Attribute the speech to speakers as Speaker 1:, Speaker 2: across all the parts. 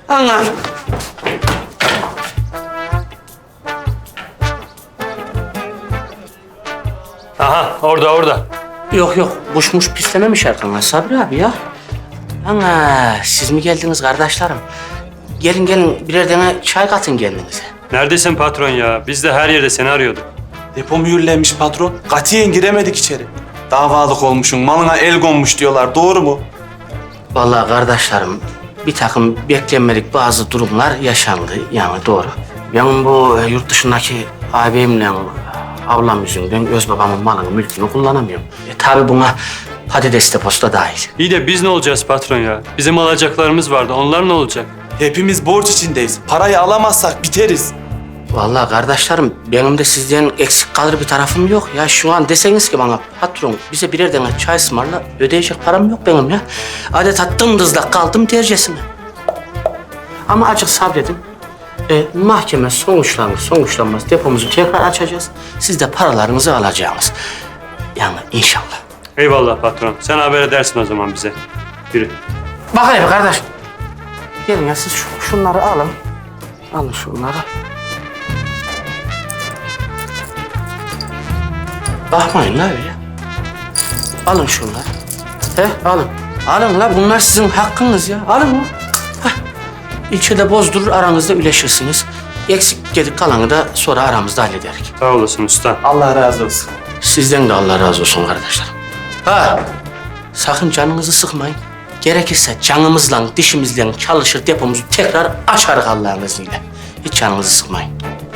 Speaker 1: Ana.
Speaker 2: Aha orada.
Speaker 1: Yok kuşmuş pislememiş arkana Sabri abi ya. Ana siz mi geldiniz kardeşlerim? Gelin birer tane çay katın kendinize.
Speaker 2: Neredesin patron ya? Biz de her yerde seni arıyorduk.
Speaker 3: Depo mühürlenmiş patron. Katiyen giremedik içeri. Davalık olmuşsun, malına el konmuş diyorlar. Doğru mu?
Speaker 1: Vallahi kardeşlerim bir takım beklenmedik bazı durumlar yaşandı yani doğru. Ben bu yurt dışındaki ağabeyimle ablam yüzünden öz babamın malını mülkünü kullanamıyorum. Tabii buna patates deposu da dahil.
Speaker 2: İyi de biz ne olacağız patron ya? Bizim alacaklarımız vardı. Onlar ne olacak?
Speaker 3: Hepimiz borç içindeyiz. Parayı alamazsak biteriz.
Speaker 1: Vallahi kardeşlerim benim de sizden eksik kalır bir tarafım yok ya. Şu an deseniz ki bana patron bize birer tane çay ısmarla ödeyecek param yok benim ya. Adeta dımdızlak kaldım tercesine. Ama azıcık sabredin. Mahkeme sonuçlanmaz depomuzu tekrar açacağız. Siz de paralarınızı alacaksınız. Yani inşallah.
Speaker 2: Eyvallah patron. Sen haber edersin o zaman bize. Yürü.
Speaker 1: Bakayım kardeş. Gelin ya siz şunları alın. Alın şunları. Bakmayın la öyle. Alın şunları. Alın. Alın la bunlar sizin hakkınız ya. Alın mı? İlçede bozdurur aranızda üleşirsiniz. Eksik gedik kalanı da sonra aramızda hallederik.
Speaker 2: Sağ olasın usta.
Speaker 3: Allah razı olsun.
Speaker 1: Sizden de Allah razı olsun kardeşlerim. Sakın canınızı sıkmayın. Gerekirse canımızla, dişimizle çalışır depomuzu tekrar açarız Allah'ın izniyle. Hiç canınızı sıkmayın.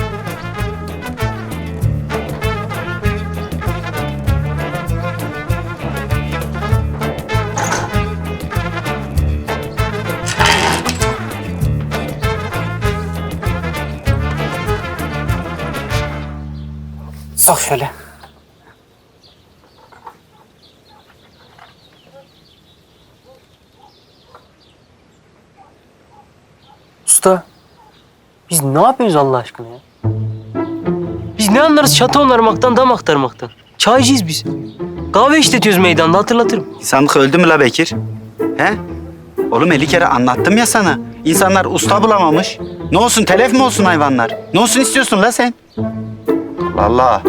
Speaker 1: Sok şöyle.
Speaker 4: Usta, biz ne yapıyoruz Allah aşkına ya? Biz ne anlarız çatı onarmaktan, dam aktarmaktan? Çaycıyız biz. Kahve işletiyoruz meydanda, hatırlatırım.
Speaker 5: İnsanlık öldü mü la Bekir? He? Oğlum 50 kere anlattım ya sana. İnsanlar usta bulamamış. Ne olsun telef mi olsun hayvanlar? Ne olsun istiyorsun la sen? Allah Allah.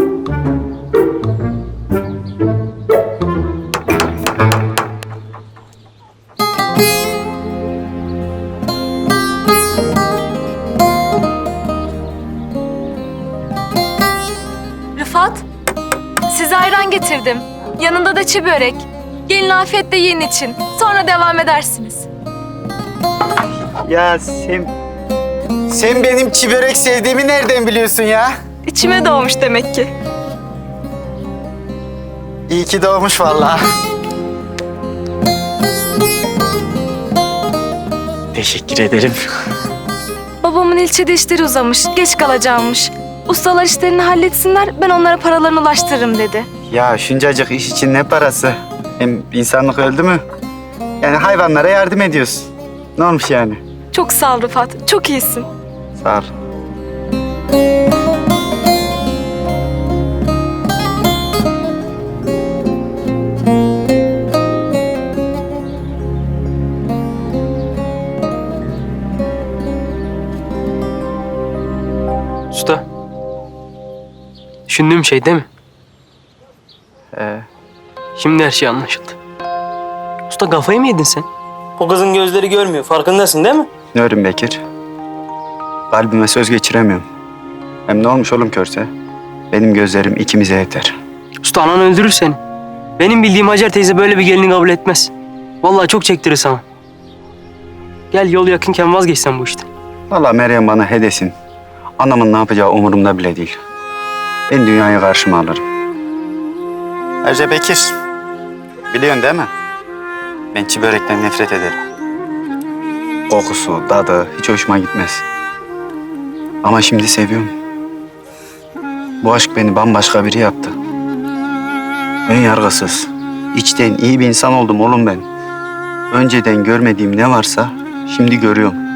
Speaker 6: Rıfat, size ayran getirdim. Yanında da çi börek. Gelin afiyetle yiyin için. Sonra devam edersiniz.
Speaker 5: Ya sen benim çi börek sevdiğimi nereden biliyorsun ya?
Speaker 6: İçime doğmuş demek ki.
Speaker 5: İyi ki doğmuş vallahi.
Speaker 1: Teşekkür ederim.
Speaker 6: Babamın ilçede işleri uzamış, geç kalacağımış. Ustalar işlerini halletsinler, ben onlara paralarını ulaştırırım dedi.
Speaker 5: Ya şuncacık iş için ne parası? Hem insanlık öldü mü? Yani hayvanlara yardım ediyorsun. Ne olmuş yani?
Speaker 6: Çok sağ ol Rıfat, çok iyisin.
Speaker 5: Sağ ol.
Speaker 4: Usta, düşündüğüm şey değil mi? Şimdi her şey anlaşıldı. Usta kafayı mı yedin sen? O kızın gözleri görmüyor, farkındasın değil mi?
Speaker 5: Ne örüm Bekir? Kalbime söz geçiremiyorum. Hem ne olmuş oğlum körse? Benim gözlerim ikimize yeter.
Speaker 4: Usta anan öldürür seni. Benim bildiğim Hacer teyze böyle bir gelini kabul etmez. Vallahi çok çektirir sana. Gel yol yakınken vazgeçsen bu işten.
Speaker 5: Vallahi Meryem bana he desin. Anamın ne yapacağı umurumda bile değil. Ben dünyayı karşıma alırım. Ayrıca Bekir, biliyorsun değil mi? Ben çi börekten nefret ederim. Kokusu, tadı hiç hoşuma gitmez. Ama şimdi seviyorum. Bu aşk beni bambaşka biri yaptı. Ön yargısız, içten iyi bir insan oldum oğlum ben. Önceden görmediğim ne varsa şimdi görüyorum.